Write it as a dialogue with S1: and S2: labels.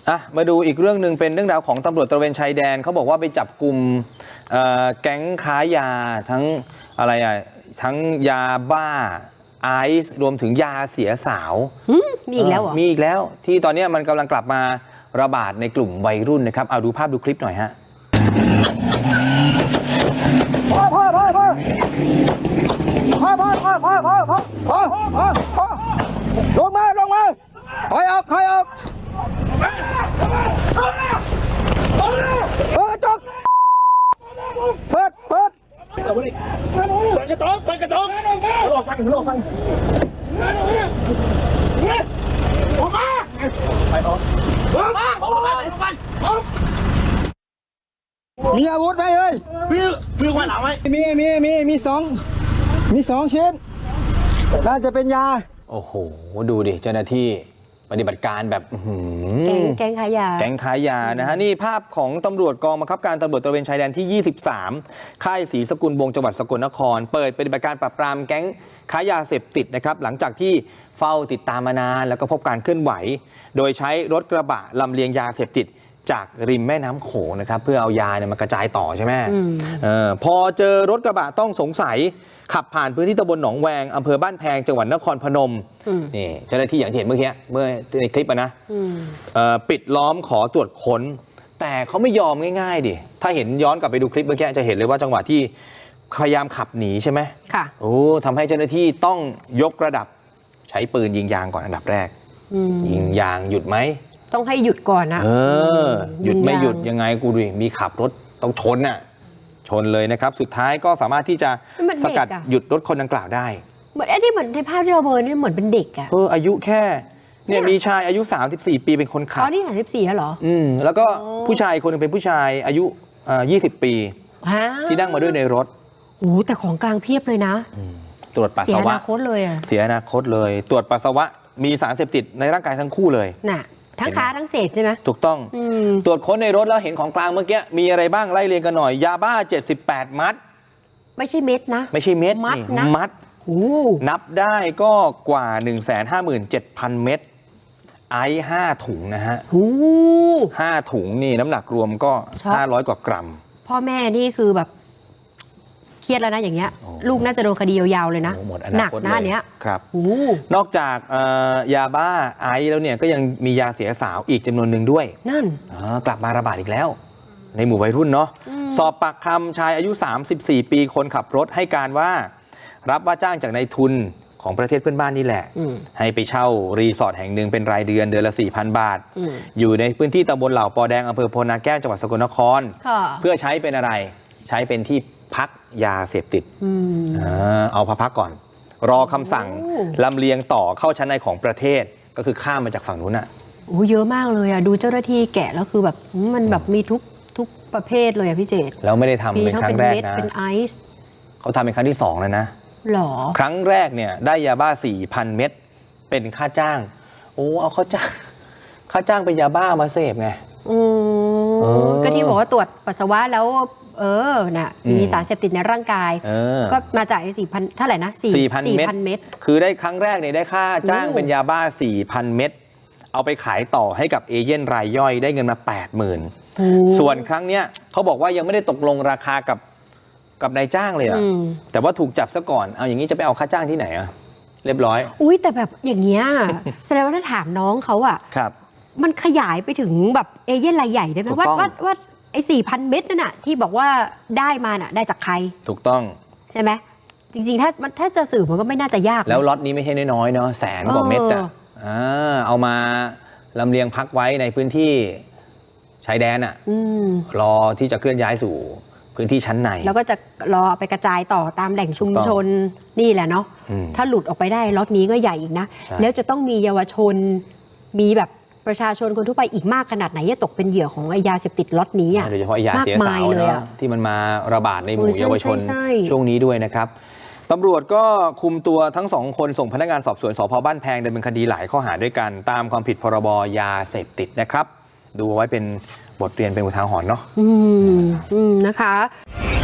S1: มาดูอีกเรื่องหนึ่งเป็นเรื่องราวของตำรวจตระเวนชายแดนเขาบอกว่าไปจับกลุ่มแก๊งค้ายาทั้งอะไรทั้งยาบ้าไอซ์รวมถึงยาเสียสาว
S2: มีอีกแล้วเหรอ
S1: มีอีกแล้วที่ตอนนี้มันกำลังกลับมาระบาดในกลุ่มวัยรุ่นนะครับเอาดูภาพดูคลิปหน่อยฮะ
S3: ลงมาถอยออกจกเปิดเปิดกระโดดหลอกฟังมีอาวุธไหมเฮ้ยมีขวานหลังไหมมีสองชิ้นน่าจะเป็นยา
S1: โอ้โหดูดิเจ้าหน้าที่ปฏิบัติการแบบ
S2: แก๊งขายยา
S1: นะฮะนี่ภาพของตำรวจกองบังคับการตำรวจตระเวนชายแดนที่ 23 ค่ายศรีสกุลวงศ์จังหวัดสกลนครเปิดปฏิบัติการปราบปรามแก๊งค้ายาเสพติดนะครับหลังจากที่เฝ้าติดตามมานานแล้วก็พบการเคลื่อนไหวโดยใช้รถกระบะลำเลียงยาเสพติดจากริมแม่น้ำโขงนะครับเพื่อเอายามากระจายต่อใช่ไหมพอเจอรถกระบะต้องสงสัยขับผ่านพื้นที่ตำบลหนองแวงอำเภอบ้านแพงจังหวัดนครพนมนี่เจ้าหน้าที่อย่างที่เห็นเมื่อในคลิปนะปิดล้อมขอตรวจค้นแต่เขาไม่ยอมง่ายๆดิถ้าเห็นย้อนกลับไปดูคลิปเมื่อกี้จะเห็นเลยว่าจังหวะที่พยายามขับหนีใช่ไหม
S2: ค่ะ
S1: โอ้ทำให้เจ้าหน้าที่ต้องยกระดับใช้ปืนยิงยางก่อนอันดับแรกยิงยางหยุดไหม
S2: ต้องให้หยุดก่อนนะ
S1: หยุดไม่หยุดยังไงกูดูมีขับรถต้องชนเลยนะครับสุดท้ายก็สามารถที่จะสกัดหยุดรถคนดังกล่าวได้
S2: เหมือนที่เหมือนในภาพที่เราเบอร์นี่เหมือนเป็นเด็กอะ
S1: อายุแค่เนี่ยมีชายอายุ34 ปีเป็นคนขับ
S2: นี่34แล้วเหรอ
S1: แล้วก็ผู้ชายคนนึงเป็นผู้ชายอายุ20 ปีที่นั่งมาด้วยในรถ
S2: โอ้แต่ของกลางเพียบเลยนะ
S1: ตรวจปัสสาวะ
S2: เสียอนาคตเลยอะ
S1: เสียอนาคตเลยตรวจปัสสาวะมีสารเสพติดในร่างกายทั้งคู่เลย
S2: น่ะทั้งค้าทั้งเสพใช่ไหม
S1: ถูกต้องตรวจค้นในรถแล้วเห็นของกลางเมื่อกี้มีอะไรบ้างไล่เรียงกันหน่อยยาบ้า78 มัด
S2: ไม่ใช่เม็ดนะ
S1: ไม่ใช่เม็ดมัดนับได้ก็กว่า 157,000 เม็ดไอซ์5 ถุงนะฮะ5 ถุงนี่น้ำหนักรวมก็500 กว่ากรัม
S2: พ่อแม่นี่คือแบบเครียดแล้วนะอย่างเงี้ยลูกน่าจะโดนคดียาวๆเลยนะหนักนะเนี้ย
S1: ครับนอกจากยาบ้าไอซ์แล้วเนี่ยก็ยังมียาเสียสาวอีกจำนวนหนึ่งด้วย
S2: นั่น
S1: กลับมาระบาดอีกแล้วในหมู่วัยรุ่นเนาะสอบปากคำชายอายุ34 ปีคนขับรถให้การว่ารับว่าจ้างจากนายทุนของประเทศเพื่อนบ้านนี่แหละให้ไปเช่ารีสอร์ทแห่งหนึ่งเป็นรายเดือนละ 4,000 บาทอยู่ในพื้นที่ตำบลเหล่าปอแดงอำเภอโพนาแก้วจังหวัดสกลนครเพื่อใช้เป็นอะไรใช้เป็นที่พักยาเสพติดเอาพักก่อนรอคำสั่งลำเลียงต่อเข้าชั้นในของประเทศก็คือข้ามมาจากฝั่งนู้น
S2: เยอะมากเลยดูเจ้าหน้าที่แกะแล้วคือแบบมันแบบมีทุกประเภทเลยพี่เจต
S1: แล้วไม่ได้ทำเป็นครั้งแรกนะ
S2: เป็นไอซ์
S1: เขาทำเป็นครั้งที่2แล้วนะ
S2: หรอ
S1: ครั้งแรกเนี่ยได้ยาบ้า 4,000 เม็ดเป็นค่าจ้างเอาค่าจ้างเป็นยาบ้ามาเสพไง
S2: ก็ที่บอกว่าตรวจปัสสาวะแล้วมีสารเสพติดในร่างกายก็มาจาก4,000เท่าไหร่นะ4,000 เม็ด
S1: คือได้ครั้งแรกเนี่ยได้ค่าจ้างเป็นยาบ้า 4,000 เม็ดเอาไปขายต่อให้กับเอเย่นรายย่อยได้เงินมา 80,000 ส่วนครั้งเนี้ยเขาบอกว่ายังไม่ได้ตกลงราคากับนายจ้างเลยแต่ว่าถูกจับซะก่อนเอาอย่างนี้จะไปเอาค่าจ้างที่ไหนเรียบร้อย
S2: แต่แบบอย่างเงี้ยแสดงว่าถ้าถามน้องเขา
S1: ครับ
S2: มันขยายไปถึงแบบเอเย่นรายใหญ่ได้ไหมว่าไอ้4,000 เม็ดนั่นน่ะที่บอกว่าได้มาน่ะได้จากใคร
S1: ถูกต้อง
S2: ใช่ไหมจริงๆถ้าจะสืบมันก็ไม่น่าจะยาก
S1: แล้วล็อตนี้ไม่ใช่น้อยๆเนาะ100,000 กว่าเม็ดเอามาลำเลียงพักไว้ในพื้นที่ชายแดนรอที่จะเคลื่อนย้ายสู่พื้นที่ชั้นใน
S2: แล้วก็จะรอไปกระจายต่อตามแหล่งชุมชนนี่แหละเนาะถ้าหลุดออกไปได้ล็อตนี้ก็ใหญ่อีกนะแล้วจะต้องมีเยาวชนมีแบบประชาชนคนทั่วไปอีกมากขนาดไหนจะตกเป็นเหยื่อของยาเสพติดล็อตนี้
S1: โดยเฉพาะยาเสียสาวเนาะที่มันมาระบาดในหมู่เยาวชนช่วงนี้ด้วยนะครับตำรวจก็คุมตัวทั้ง2 คนส่งพนักงานสอบสวนสภ.บ้านแพงดำเนินคดีหลายข้อหาด้วยกันตามความผิดพรบยาเสพติดนะครับดูไว้เป็นบทเรียนเป็นอุทาหรณ์เนาะ
S2: นะคะ